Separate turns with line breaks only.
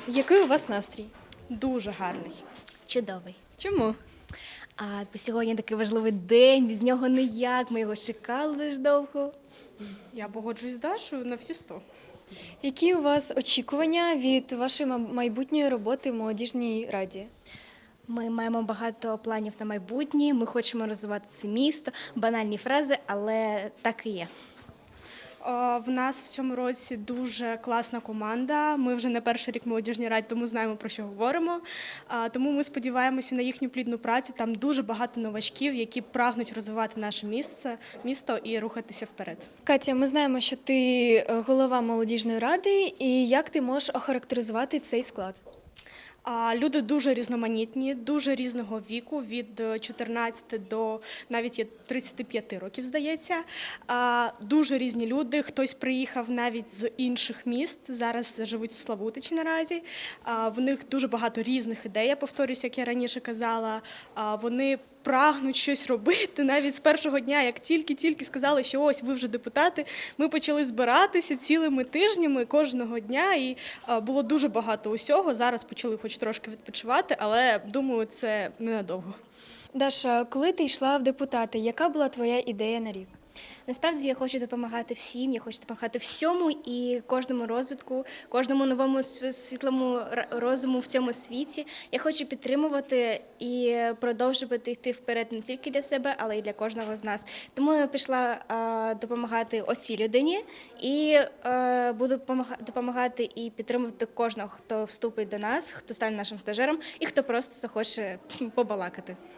Який у вас настрій?
Дуже гарний.
Чудовий.
Чому?
Бо сьогодні такий важливий день, без нього ніяк, ми його чекали дуже довго.
Я погоджуюсь з Дашою на всі 100.
Які у вас очікування від вашої майбутньої роботи в молодіжній раді?
Ми маємо багато планів на майбутнє, ми хочемо розвивати це місто, банальні фрази, але так і є.
В нас в цьому році дуже класна команда. Ми вже не перший рік в молодіжній раді, тому знаємо, про що говоримо. Тому ми сподіваємося на їхню плідну працю. Там дуже багато новачків, які прагнуть розвивати наше місто і рухатися вперед.
Катя, ми знаємо, що ти голова молодіжної ради, і як ти можеш охарактеризувати цей склад?
Люди дуже різноманітні, дуже різного віку, від 14 до навіть є 35 років, здається. Дуже різні люди, хтось приїхав навіть з інших міст, зараз живуть в Славутичі наразі. В них дуже багато різних ідей, я повторюсь, як я раніше казала. Вони прагнуть щось робити. Навіть з першого дня, як тільки сказали, що ось ви вже депутати, ми почали збиратися цілими тижнями кожного дня, і було дуже багато усього. Зараз почали хоч трошки відпочивати, але, думаю, це ненадовго.
Даша, коли ти йшла в депутати, яка була твоя ідея на рік?
Насправді я хочу допомагати всім, я хочу допомагати всьому і кожному розвитку, кожному новому світлому розуму в цьому світі. Я хочу підтримувати і продовжувати йти вперед не тільки для себе, але й для кожного з нас. Тому я пішла допомагати оцій людині і буду допомагати і підтримувати кожного, хто вступить до нас, хто стане нашим стажером і хто просто захоче побалакати.